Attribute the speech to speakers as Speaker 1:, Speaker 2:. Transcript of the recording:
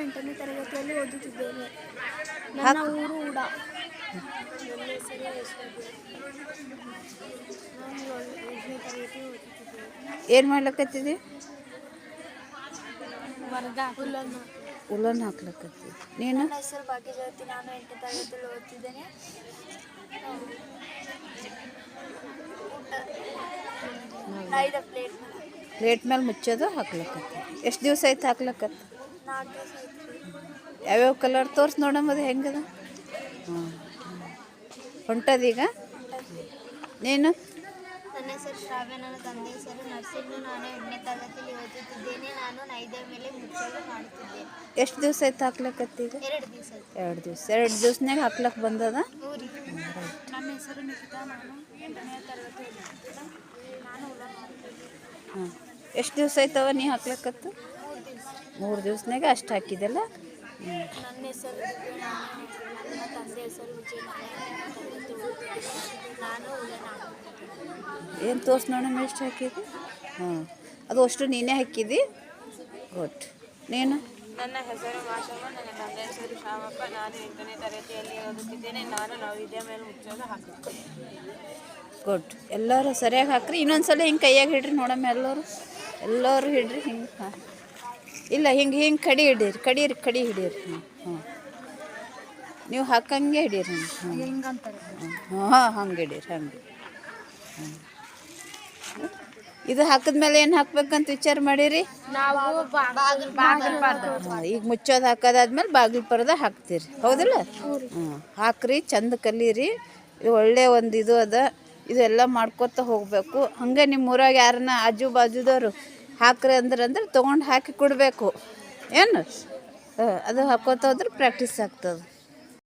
Speaker 1: 8ನೇ ತರಗತಿಯಲ್ಲಿ ಓದುತ್ತಿದ್ದೇನೆ. ನನ್ನ ಊರು ಉಡ. ನನ್ನ ಹೆಸರು ಯಶೋಧ. ನಾನು 8ನೇ ತರಗತಿ ಓದುತ್ತಿದ್ದೇನೆ.
Speaker 2: ಏನು ಮಾಡ್ಲಕತ್ತಿದ್ದಿ? ಉಲ್ಲನ್ ಹಾಕ್ಲಕತ್ತಿ. ನೀನು?
Speaker 1: ನನ್ನ ಹೆಸರು ಭಾಗ್ಯಜ್ಯೋತಿ. ನಾನು 8ನೇ ತರಗತಿಯಲ್ಲಿ ಓದುತ್ತಿದ್ದೇನೆ.
Speaker 2: ಪ್ಲೇಟ್ ಮೇಲೆ ಮುಚ್ಚೋದು ಹಾಕ್ಲಕತ್ತಿ. ಎಷ್ಟು ದಿವಸ ಆಯ್ತು ಹಾಕ್ಲಕತ್ತ?
Speaker 1: 4 ದಿವಸ ಆಯ್ತು.
Speaker 2: ಯಾವ್ಯಾವ ಕಲರ್ ತೋರ್ಸಿ ನೋಡಮ್ಮದು ಹೆಂಗದ? ಹೊಂಟದೀಗ? ನೀನು?
Speaker 1: ನನ್ನ ಹೆಸರು ಶ್ರಾವ್ಯ. ನನ್ನ ತಂದೆ ಹೆಸರು ನರ್ಸಿಂಗ್. ನಾನು 8ನೇ ತರಗತಿಯಲ್ಲಿ ಓದುತ್ತಿದ್ದೇನೆ. ನಾನು ನೈದೇ ಮೇಲೆ ಮುಚ್ಚಲು ಮಾಡುತ್ತಿದ್ದೇನೆ.
Speaker 2: ಎಷ್ಟು ದಿವಸ ಆಯ್ತು ಹಾಕ್ಲಕತ್ತೀಗ?
Speaker 1: 2 ದಿವಸ.
Speaker 2: 2 ದಿವಸ. 2 ದಿವಸನಾಗ ಹಾಕ್ಲಕ್ಕೆ ಬಂದದ?
Speaker 1: ನನ್ನ ಹೆಸರು ನಿಖಿತಾ. ನಾನು 8ನೇ ತರಗತಿ ಓದುತ್ತಿದ್ದೇನೆ. ನಾನು
Speaker 2: ಹಾಂ. ಎಷ್ಟು ದಿವಸ ಆಯ್ತವ ನೀ ಹಾಕ್ಲಕ್ಕತ್ತು? 3 ದಿವಸನಾಗ ಅಷ್ಟು ಹಾಕಿದೆಲ್ಲ?
Speaker 1: ನನ್ನ ಹೆಸರು ನನ್ನ ತಂದೆ ಹೆಸರು ವಿಜಯ್. ನಾನು
Speaker 2: ಏನು ತೋರ್ಸಿ ನೋಡಮ್ಮ ಎಷ್ಟು ಹಾಕಿದಿ? ಹಾಂ, ಅದು ಅಷ್ಟು ನೀನೇ ಹಾಕಿದಿ? ಗುಡ್. ನೀನು?
Speaker 3: ನನ್ನ ಹೆಸರು ಮಾಷಮ್ಮ. ನನ್ನ ತಂದೆ ಹೆಸರು ಶಾಮಪ್ಪ. ನಾನು 8ನೇ ತರಗತಿಯಲ್ಲಿ ಓದುತ್ತಿದ್ದೇನೆ. ನಾನು ನವವಿದ್ಯಾ ಮೇಲೆ ಮುಚ್ಚೋದು ಹಾಕುತ್ತೇನೆ.
Speaker 2: ಗುಡ್. ಎಲ್ಲರೂ ಸರಿಯಾಗಿ ಹಾಕ್ರಿ. ಇನ್ನೊಂದು ಸಲ ಹಿಂಗೆ ಕೈಯಾಗ ಹಿಡ್ರಿ ನೋಡಮ್ಮ. ಎಲ್ಲರೂ ಹಿಡ್ರಿ ಹಿಂಗೆ. ಹಾಂ, ಇಲ್ಲ ಹಿಂಗೆ ಕಡಿ ಹಿಡೀರಿ. ಕಡಿ ಹಿಡೀರಿ. ಹಾಂ, ನೀವು ಹಾಕಂಗೆ ಹಿಡೀರಿ. ಹಾಂ, ಹಂಗೆ ಹಿಡೀರಿ. ಹಂಗೆ. ಇದು ಹಾಕಿದ್ಮೇಲೆ ಏನು ಹಾಕ್ಬೇಕಂತ ವಿಚಾರ ಮಾಡಿರಿ? ಈಗ ಮುಚ್ಚೋದು ಹಾಕೋದಾದ್ಮೇಲೆ ಬಾಗಿಲು ಪರದ ಹಾಕ್ತೀರಿ, ಹೌದಿಲ್ಲ? ಹಾಕ್ರಿ, ಚಂದ ಕಲೀರಿ. ಇದು ಒಳ್ಳೆ ಒಂದು ಇದು ಅದ. ಇದೆಲ್ಲ ಮಾಡ್ಕೊತ ಹೋಗಬೇಕು. ಹಂಗೆ ನಿಮ್ಮ ಊರಾಗ ಯಾರನ್ನ ಆಜು ಬಾಜುದವರು ಹಾಕ್ರಿ ಅಂದ್ರೆ ತೊಗೊಂಡು ಹಾಕಿ ಕೊಡಬೇಕು. ಏನು ಅದು ಹಾಕೋತ ಹೋದ್ರೆ ಪ್ರಾಕ್ಟೀಸ್ ಆಗ್ತದೆ.